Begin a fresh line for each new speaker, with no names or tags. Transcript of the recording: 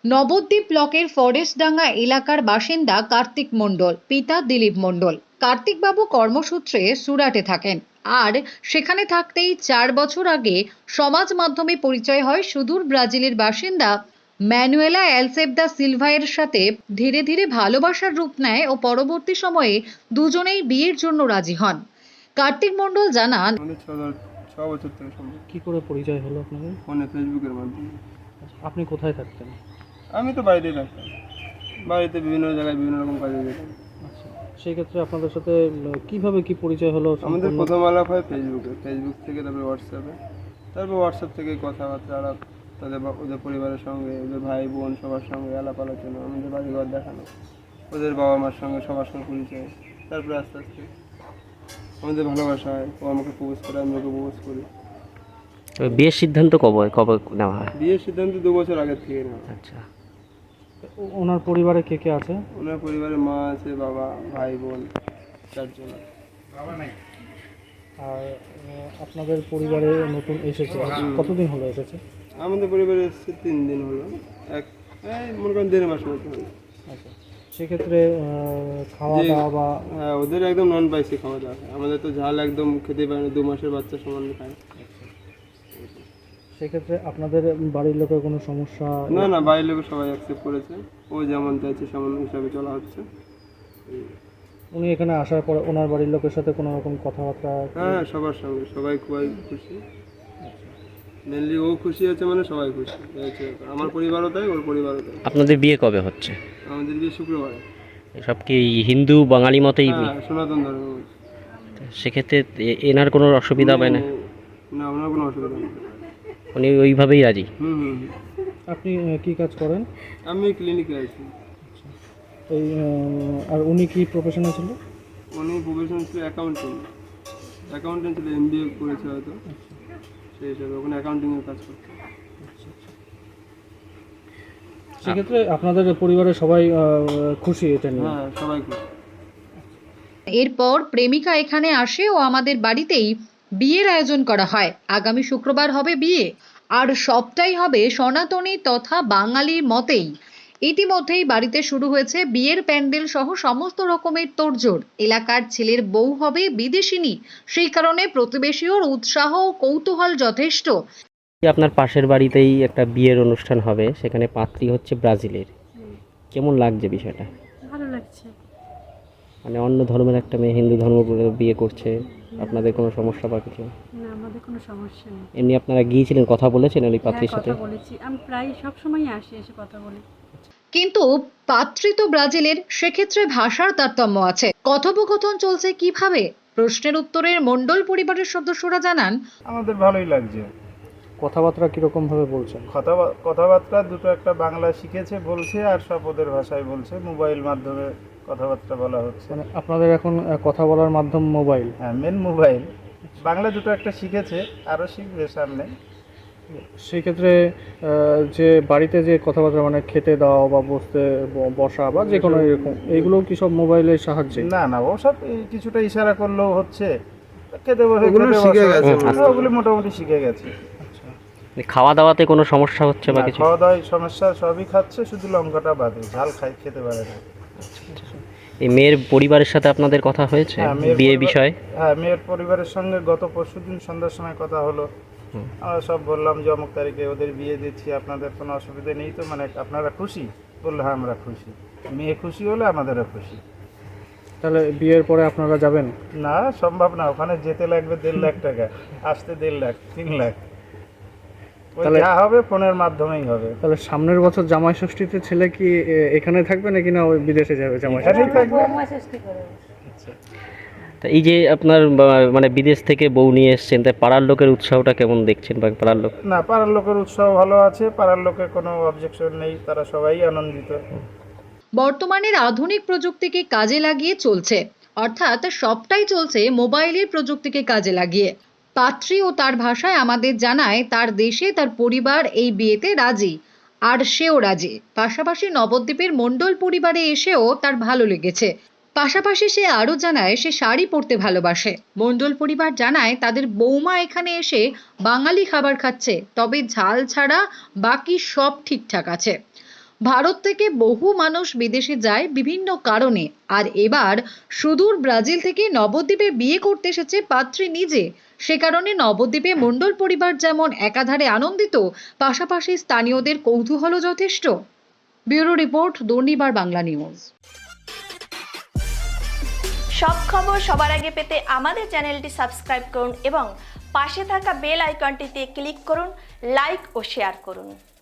নবদ্বীপ ব্লকের ফরেস্টডাঙ্গা এলাকার বাসিন্দা কার্তিক মণ্ডল, পিতা দিলীপ মণ্ডল। কার্তিকবাবু কর্মসূত্রে সুরাটে থাকেন, আর সেখানে থাকতেই 4 বছর আগে সমাজ মাধ্যমে পরিচয় হয় সুদূর ব্রাজিলের বাসিন্দা ম্যানুয়েলা অ্যালসেবদা সিলভায়ের সাথে। ধীরে ধীরে ভালোবাসার রূপ নেয় ও পরবর্তী সময়ে দুজনেই বিয়ের জন্য রাজি হন। কার্তিক মণ্ডল জানান,
আমাদের 6 বছর থেকে সম্ভব।
কি করে পরিচয় হলো আপনাদের?
ফোনে, ফেসবুকের মাধ্যমে।
আচ্ছা, আপনি কোথায় থাকতেন?
আমি তো বাড়িতেই থাকতাম, বাড়িতে বিভিন্ন জায়গায় বিভিন্ন রকম কাজে যেতাম।
আচ্ছা, সেই ক্ষেত্রে আপনাদের সাথে কিভাবে কি পরিচয় হলো?
আমাদের প্রথম আলাপ হয় ফেসবুকে, ফেসবুক থেকে তারপরে হোয়াটসঅ্যাপে, তারপর হোয়াটসঅ্যাপ থেকে কথাবার্তা আলাপ, ওদের পরিবারের সঙ্গে, ওদের ভাই বোন সবার সঙ্গে আলাপ আলোচনা, আমাদের বাড়িঘর দেখানো, ওদের বাবা মার সঙ্গে সবার সঙ্গে পরিচয়। তারপরে আস্তে আস্তে আমাদের ভালোবাসা হয়, ও আমাকে প্রপোজ করে, আমি ওকে প্রপোজ করি।
বিয়ের সিদ্ধান্ত কবে কবে নেওয়া হয়?
বিয়ের সিদ্ধান্ত 2 বছর আগের থেকে নেওয়া।
আচ্ছা,
ওনার পরিবারে কে কে আছে?
ওনার পরিবারে মা আছে, বাবা, ভাই বোন 4 জন।
আর আপনাদের পরিবারে নতুন এসেছে, কতদিন হলো এসেছে?
আমাদের পরিবারে এসেছে 3 দিন হলো, মনে করেন 1.5 মাস মতো হলো।
আচ্ছা, সেক্ষেত্রে খাওয়া দাওয়া বা
হ্যাঁ, ওদের একদম নন স্পাইসি খাওয়া দাওয়া হয়, আমাদের তো ঝাল একদম খেতে পারে না, 2 মাসের বাচ্চা সমান খায়।
সেক্ষেত্রে আপনাদের বাড়ির লোকের কোনো সমস্যা?
না না, বাইরের লোক সবাই অ্যাকসেপ্ট করেছে, ও যেমন চাইছে সেমন হিসাবে চলা হচ্ছে।
উনি এখানে আসার পর ওনার বাড়ির লোকের সাথে কোনো রকম কথাবার্তা?
হ্যাঁ, সবার সঙ্গে সবাই খুবই খুশি। মেনলি ও খুশি আছে মানে সবাই খুশি হয়েছে, আমার পরিবারও তাই, ওর পরিবারও তাই।
আপনাদের বিয়ে কবে হচ্ছে?
আমাদের বিয়ে শুক্রবারে।
সব কি হিন্দু বাঙালি মতেই বিয়ে?
হ্যাঁ, সনাতন ধর্ম।
সেক্ষেত্রে এনার কোনো অসুবিধা হবে না?
না, ওনার কোনো অসুবিধা নেই।
উনি ওইভাবেই রাজি?
হুম হুম।
আপনি কি কাজ করেন?
আমি ক্লিনিকে আছি।
এই আর উনি কি প্রফেশনে ছিল?
উনি প্রফেশন ছিল অ্যাকাউন্টেন্ট, ছিল, MBA করেছে হয়তো, সেই হিসাবে ওখানে অ্যাকাউন্টিংয়ের কাজ করতে।
সেক্ষেত্রে আপনাদের পরিবারের সবাই খুশি এটা নিয়ে?
হ্যাঁ, সবাই খুশি।
এরপর প্রেমিকা এখানে আসে ও আমাদের বাড়িতেই বিয়ের আয়োজন করা হয়। আগামী শুক্রবার হবে বিয়ে, আর সবটাই হবে সনাতনী তথা বাঙালির মতেই। ইতিমধ্যেই বাড়িতে শুরু হয়েছে বিয়ের প্যান্ডেল সহ সমস্ত রকমের তোড়জোড়। এলাকার ছেলের বউ হবে বিদেশিনী, সেই কারণে প্রতিবেশীর উৎসাহ ও কৌতূহল যথেষ্ট।
আপনার পাশের বাড়িতেই একটা বিয়ের অনুষ্ঠান হবে, সেখানে পাত্রী হচ্ছে ব্রাজিলের। কেমন লাগছে বিষয়টা?
ভালো লাগছে।
মানে অন্য ধর্মের একটা মেয়ে হিন্দু ধর্ম বলে বিয়ে করছে, আপনাদের কোনো সমস্যা বা কিছু?
না, আমাদের কোনো সমস্যা নেই।
এমনি আপনারা গিয়েছিলেন, কথা বলেছেন ওই পাত্রীর
হ্যাঁ,
সাথে?
কথা বলেছি, আমি প্রায় সব সময় আসি, এসে কথা বলি।
কিন্তু পাত্রী তো ব্রাজিলের, সেক্ষেত্রে ভাষার তারতম্য আছে। কথোপকথন চলছে কিভাবে? প্রশ্নের উত্তরে মণ্ডল পরিবারের সদস্যরা জানান,
আমাদের ভালোই লাগছে।
কথাবার্তা কীরকম ভাবে বলছেন?
কথাবার্তা দুটো একটা বাংলা শিখেছে বলছে, আর সব ওদের ভাষায় বলছে, মোবাইল মাধ্যমে কথাবার্তা বলা হচ্ছে।
মানে আপনাদের এখন কথা বলার মাধ্যম মোবাইল?
হ্যাঁ, মেন মোবাইল। বাংলা দুটো একটা শিখেছে, আরও শিখবে সামনে।
সেই ক্ষেত্রে যে বাড়িতে যে কথাবার্তা মানে খেতে দাও বা বসা বা যে কোনো এরকম, এইগুলো কি সব মোবাইলের সাহায্যে?
না না, ওসব কিছুটা ইশারা করলেও হচ্ছে, খেতে বসে
ওগুলো
খেতে
শিখে
বসা।
গেছে
হ্যাঁ, ওগুলো মোটামুটি শিখে গেছে।
খাওয়া দাওয়াতে কোনো সমস্যা হচ্ছে বা
না,
কিছু?
খাওয়া দাওয়ায় সমস্যা, সবই খাচ্ছে, শুধু লঙ্কাটা বাদে, ঝাল খেতে পারে না।
এই মেয়ের পরিবারের সাথে আপনাদের কথা হয়েছে
হ্যাঁ,
বিয়ে বিষয়ে?
হ্যাঁ, মেয়ের পরিবারের সঙ্গে গত পরশুদিন সন্ধ্যার সময় কথা হলো। আমরা সব বললাম যে অমুক তারিখে ওদের বিয়ে দিচ্ছি, আপনাদের কোনো অসুবিধা নেই তো, মানে আপনারা খুশি? বললো হ্যাঁ, আমরা খুশি। মেয়ে খুশি হলে আমাদেরও খুশি।
তাহলে বিয়ের পরে আপনারা যাবেন?
না, সম্ভব না, ওখানে যেতে লাগবে 1.5 লাখ টাকা, আসতে 1.5 লাখ, 3 লাখ।
তাহলে
যা হবে ফোনের মাধ্যমেই হবে।
তাহলে সামনের বছর জামাই ষষ্ঠীতে ছেলে কি এখানে থাকবে নাকি না ওই বিদেশে যাবে জামাই ষষ্ঠী?
এখানেই থাকবে।
তা এই যে আপনার মানে বিদেশ থেকে বউ নিয়ে এসছেন, তাই পাড়ার লোকের উৎসাহটা কেমন দেখছেন? বা পাড়ার লোক?
না, পাড়ার লোকের উৎসাহ ভালো আছে, পাড়ার লোকের কোনো অবজেকশন নেই, তারা সবাই আনন্দিত।
বর্তমানের আধুনিক প্রযুক্তিকে কাজে লাগিয়ে চলছে, অর্থাৎ সবটাই চলছে মোবাইলের প্রযুক্তিকে কাজে লাগিয়ে। পাত্রী ও তার ভাষায় আমাদের জানায় তার দেশে তার পরিবার এই বিয়েতে রাজি, আর সেও রাজি। পাশাপাশি নবদ্বীপের মণ্ডল পরিবারে এসেও তার ভালো লেগেছে। পাশাপাশি সে আরও জানায় সে শাড়ি পরতে ভালোবাসে। মণ্ডল পরিবার জানায় তাদের বৌমা এখানে এসে বাঙালি খাবার খাচ্ছে, তবে ঝাল ছাড়া বাকি সব ঠিকঠাক আছে। ভারত থেকে বহু মানুষ বিদেশে যায় বিভিন্ন কারণে, আর এবার সুদূর ব্রাজিল থেকে নবদ্বীপে বিয়ে করতে এসেছে পাত্রী নিজে। সে কারণে নবদ্বীপে মণ্ডল পরিবার যেমন একাধারে আনন্দিত, পাশাপাশি স্থানীয়দের কৌতূহলও যথেষ্ট। Bureau report, Durnibar Bangla news.
সব খবর সবার আগে পেতে আমাদের চ্যানেলটি সাবস্ক্রাইব করুন এবং পাশে থাকা বেল আইকনটিতে ক্লিক করুন, লাইক ও শেয়ার করুন।